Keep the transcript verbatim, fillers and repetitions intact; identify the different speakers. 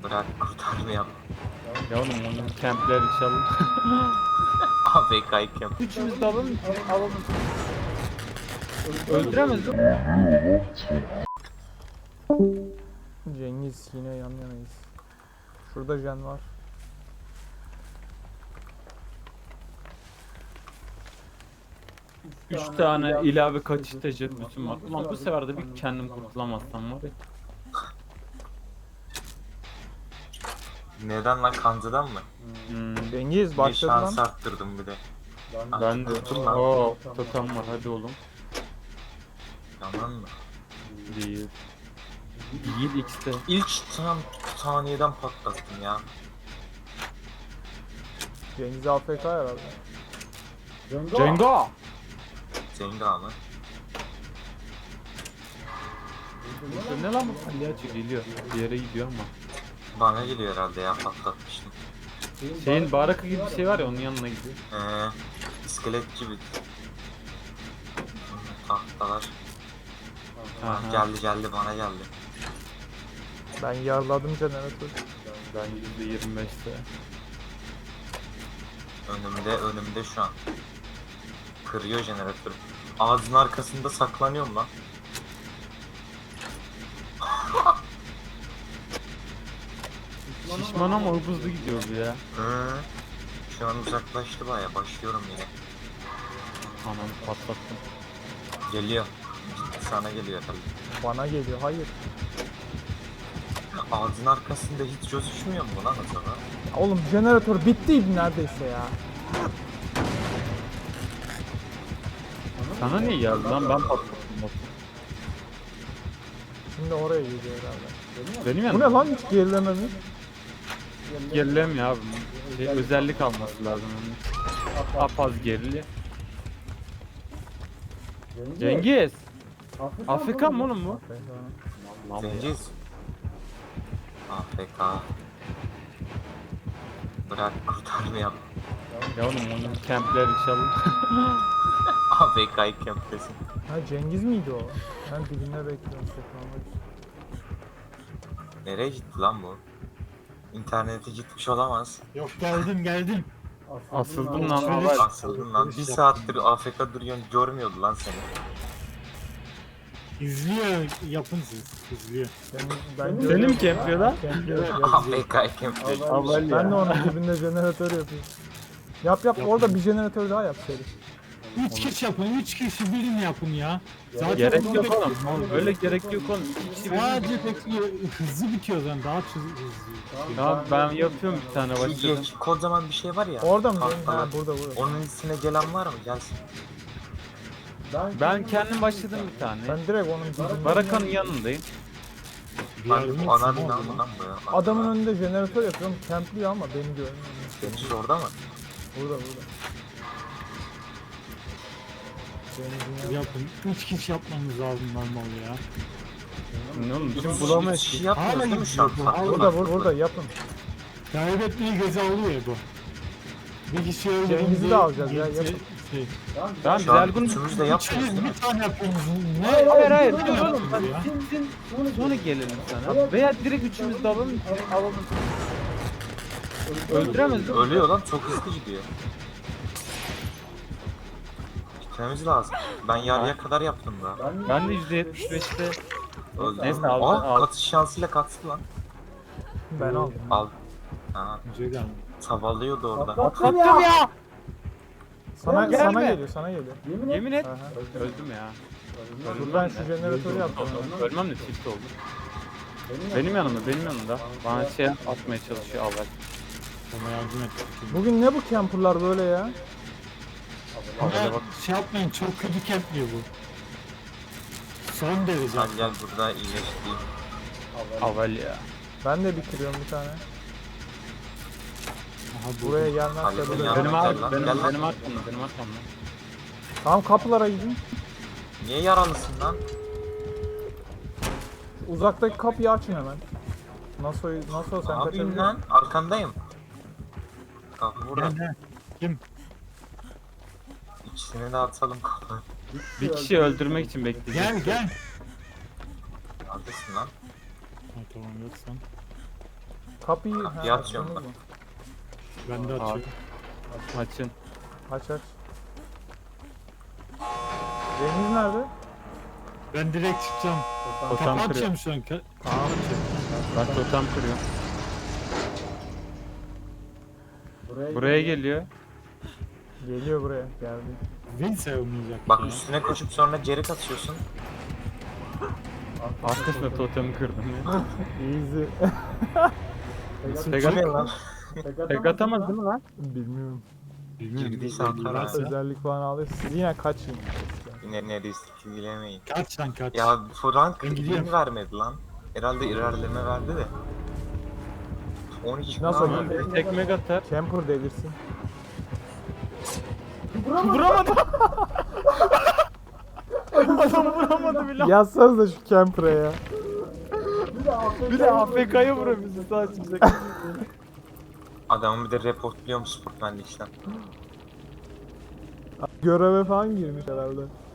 Speaker 1: Bırak kurtarmayalım.
Speaker 2: Ya oğlum onun kempler inşallah.
Speaker 1: A F K camp.
Speaker 2: Üçümüz de alalım, alalım. Öldüremez mi?
Speaker 3: Cengiz yine yan yanayız. Şurada Jen var.
Speaker 2: Üç tane ilave kaçıştacı bütün var. Ulan bu sefer de bir kendim kurtulamazsam var ya.
Speaker 1: Neden lan, kancıdan mı?
Speaker 2: Hmm,
Speaker 3: Cengiz
Speaker 1: Bir
Speaker 3: başladı
Speaker 1: şans
Speaker 3: lan.
Speaker 1: arttırdım bir de.
Speaker 2: ben de.
Speaker 1: Kurtul lan.
Speaker 2: Oo, totem var hadi oğlum.
Speaker 1: Yaman mı?
Speaker 2: Değil. Değil X'te.
Speaker 1: İlk tam saniyeden patlattım ya.
Speaker 3: Cengiz A F K herhalde.
Speaker 2: Cengo!
Speaker 1: Cenga mı?
Speaker 2: Ne lan bu palyaço geliyor. Bir yere gidiyor ama.
Speaker 1: Bana geliyor herhalde ya, patlatmıştım.
Speaker 2: Şeyin baraka gibi bir şey var ya onun yanına gidiyor.
Speaker 1: Ee, iskelet gibi. Tahtalar.
Speaker 2: Aha.
Speaker 1: Geldi geldi bana geldi.
Speaker 3: Ben yarladım jeneratörü.
Speaker 2: Ben yüzde yirmi beşte.
Speaker 1: Önümde önümde şu an. Kırıyor jeneratörü. Ağzın arkasında saklanıyorum lan.
Speaker 2: Şişman ama hızlı gidiyor bu ya.
Speaker 1: Hı. Şu an uzaklaştı baya, başlıyorum yine.
Speaker 2: Ananı patlattım.
Speaker 1: Geliyor. Ciddi sana geliyor tabii.
Speaker 3: Bana geliyor. Hayır.
Speaker 1: Ağzın arkasında hiç gözükmüyor mu lan acaba?
Speaker 3: Ya oğlum jeneratör bittiydi neredeyse ya.
Speaker 2: Sana niye geldi lan ben patlattım.
Speaker 3: Şimdi oraya gidiyor herhalde.
Speaker 2: Benim
Speaker 3: Bu
Speaker 2: yanım.
Speaker 3: ne lan, hiç gerilememiz?
Speaker 2: Gerilemiyor abi. Şey, özellik alması lazım onun. Apaz gerili. Cengiz. Afrika mı oğlum bu? Lan bu ya.
Speaker 1: Cengiz. A F K. Bırak kurtarmayalım.
Speaker 2: Ya oğlum onun kempler inşallah.
Speaker 1: A F K camp'tesin.
Speaker 3: Ha Cengiz miydi o? Ben dibinde bekliyorum saklanmak için.
Speaker 1: Nereye gitti lan bu? İnternete gitmiş olamaz.
Speaker 4: Yok geldim geldim.
Speaker 2: Asıldım lan
Speaker 4: Alışveriş-
Speaker 2: haber.
Speaker 1: Asıldın lan. Bir saattir A F K duruyorsun, görmüyordu lan seni.
Speaker 4: İzliyor yapın siz. İzliyor.
Speaker 3: Ben, ben
Speaker 2: Seni mi kempliyor lan?
Speaker 3: Kempliyor.
Speaker 1: A F K camp'te.
Speaker 2: Haber
Speaker 3: Ben de
Speaker 2: ya.
Speaker 3: onun dibinde jeneratör yapıyorum. Yap yap, orada bir jeneratör daha yap seri.
Speaker 4: Üç kişi yapın. Üç kişi birini yapın ya. Zaten
Speaker 2: Gerek
Speaker 4: bunu
Speaker 2: yok
Speaker 4: bekliyorum.
Speaker 2: oğlum. Öyle gerek yok oğlum. İkisi bir-
Speaker 4: Sadece bekliyor. Hızlı bitiyor o zaman. Daha hızlı hızlı.
Speaker 2: Tamam ben yapıyorum bir tane
Speaker 1: Şu
Speaker 2: başladım.
Speaker 1: geç, kocaman bir şey var ya.
Speaker 3: Orada mı?
Speaker 1: tahtalar.
Speaker 3: Ha burada burada.
Speaker 1: Onun üstüne gelen var mı? Gelsin.
Speaker 2: Ben kendim başladım bir tane.
Speaker 3: Ben direkt onun dibinde.
Speaker 2: Barakanın yanındayım.
Speaker 4: Bir
Speaker 1: Lan
Speaker 4: yardım
Speaker 1: bu ana
Speaker 4: etsin
Speaker 1: bina
Speaker 4: oğlum.
Speaker 1: mı lan bu ya?
Speaker 3: Adamın önünde jeneratör yapıyorum. Kempliyor ama beni görmüyor.
Speaker 1: Deniz orada mı?
Speaker 3: Burada burada. Denizin yanı-
Speaker 4: Yapın. Üç kişi yapmanız lazım normal ya.
Speaker 2: Ne oğlum
Speaker 1: Biz
Speaker 2: şimdi
Speaker 1: hiç
Speaker 2: bulamayız
Speaker 1: şey
Speaker 2: ki.
Speaker 1: yapmıyoruz
Speaker 4: Hala
Speaker 1: değil mi şu an?
Speaker 4: gidiyor bu, hala.
Speaker 3: Burada burada, burada yapın.
Speaker 4: Kaybetmeyi göze alıyor ya bu. Bir kişi öldü.
Speaker 3: Cengiz'i de alacağız ya, yapın.
Speaker 4: Şey.
Speaker 2: Ben
Speaker 1: Şu an
Speaker 2: Zelgun...
Speaker 1: üçümüz de yapmıyoruz değil mi?
Speaker 4: Bir tane yapıyorsunuz. Ne?
Speaker 2: Hayır hayır dur
Speaker 4: Ne
Speaker 2: oğlum. Bak,
Speaker 4: ya?
Speaker 2: Sonra, sonra gelelim sana. Veya direkt üçümüz de alalım. Alalım. Öldüremez değil mi?
Speaker 1: Ölüyor lan, çok hızlı gidiyor. Gitmemiz lazım. Ben yarıya kadar yaptım daha.
Speaker 2: Ben de yüzde yetmiş beşte.
Speaker 1: Öldü.
Speaker 2: Neyse, aldı,
Speaker 1: Aa,
Speaker 2: aldı.
Speaker 1: katış şansıyla kaçtı lan.
Speaker 3: Ben aldım.
Speaker 1: Al. Aha,
Speaker 4: Güzel yani.
Speaker 1: tavalıyordu orada.
Speaker 2: Attım ya.
Speaker 3: Sana
Speaker 2: Gelme.
Speaker 3: sana geliyor, sana geliyor.
Speaker 2: Yemin et.
Speaker 3: Aha.
Speaker 2: Öldüm ya.
Speaker 3: Dur ben şu jeneratörü yaptım.
Speaker 2: Ölmem de tilt oldu. Benim yanımda, benim yanımda. Bana şey atmaya çalışıyor Allah.
Speaker 4: Ona yardım et.
Speaker 3: Bugün ne bu camperlar böyle ya?
Speaker 4: Ama
Speaker 2: Havaya bak.
Speaker 4: şey yapmayın, çok kötü kempliyor bu. Son derece.
Speaker 1: Sen gel burada iyileştireyim.
Speaker 2: Havel ya.
Speaker 3: Ben de bitiriyorum bir tane.
Speaker 4: Aha, bu.
Speaker 3: Buraya gelmezse
Speaker 1: Halledin
Speaker 3: böyle.
Speaker 1: ya.
Speaker 2: Benim
Speaker 1: Gel
Speaker 2: ar
Speaker 1: lan,
Speaker 2: benim,
Speaker 1: gel lan.
Speaker 2: benim arkamda, benim arkamda.
Speaker 3: Tamam kapılara gidin.
Speaker 1: Niye yaralısın lan?
Speaker 3: Uzaktaki kapıyı açın hemen. Nasıl nasıl sen
Speaker 1: Ne yapayım
Speaker 3: kaçabilirsin?
Speaker 1: lan? Arkandayım. Kapı burada.
Speaker 4: Gel, gel. Kim?
Speaker 1: İkisini de atalım kapı.
Speaker 2: Bir kişi öldürmek için bekleyeceğim.
Speaker 4: Gel gel.
Speaker 1: Neredesin lan?
Speaker 4: Ha, tamam yoksan.
Speaker 3: Kapıyı,
Speaker 1: Kapıyı
Speaker 3: ha,
Speaker 1: açıyorum
Speaker 3: açtınız
Speaker 1: ben.
Speaker 3: mı?
Speaker 4: Ben de açıyorum.
Speaker 2: Açın.
Speaker 3: Aç aç. Cengiz nerede?
Speaker 4: Ben direkt çıkacağım.
Speaker 2: Totem
Speaker 4: Kapı
Speaker 2: kırıyor.
Speaker 4: açacağım şu an. Ka-
Speaker 3: Tamam.
Speaker 2: Bak totem kırıyor. Buraya geliyor.
Speaker 3: Geliyor buraya. Geldi.
Speaker 4: Win sayılmayacak
Speaker 1: Bak
Speaker 4: ya.
Speaker 1: üstüne koşup sonra geri kaçıyorsun.
Speaker 2: Arkasında totemi kırdım ya.
Speaker 3: Easy.
Speaker 4: Nasıl
Speaker 2: Tek
Speaker 1: Bu
Speaker 2: at-
Speaker 1: ne lan?
Speaker 2: Tek atamaz değil mi lan?
Speaker 3: Bilmiyorum.
Speaker 4: Bilmiyorum.
Speaker 1: Girdiyse
Speaker 4: Belki
Speaker 1: atar ha.
Speaker 4: varsa.
Speaker 3: Özellik falan alıyorsun. Siz yine kaçın.
Speaker 1: Yine neredeyse ilgilemeyin.
Speaker 4: Kaç lan kaç.
Speaker 1: Ya Frank
Speaker 4: Ben gidiyorum.
Speaker 1: win vermedi lan. Herhalde ilerleme verdi de. on iki
Speaker 3: Nasıl
Speaker 1: falan
Speaker 3: oldu?
Speaker 1: verdi.
Speaker 2: Bir tek meg atar.
Speaker 3: Camper delirsin.
Speaker 2: Vuramadı. Adam vuramadı bile.
Speaker 3: Yazsanız da şu camper'a ya.
Speaker 2: Bir de A F K'ya vuruyor bizi sağ çıkacak.
Speaker 1: Adamı bir de reportluyorum Sportman'da işten.
Speaker 3: Göreve falan girmiş herhalde.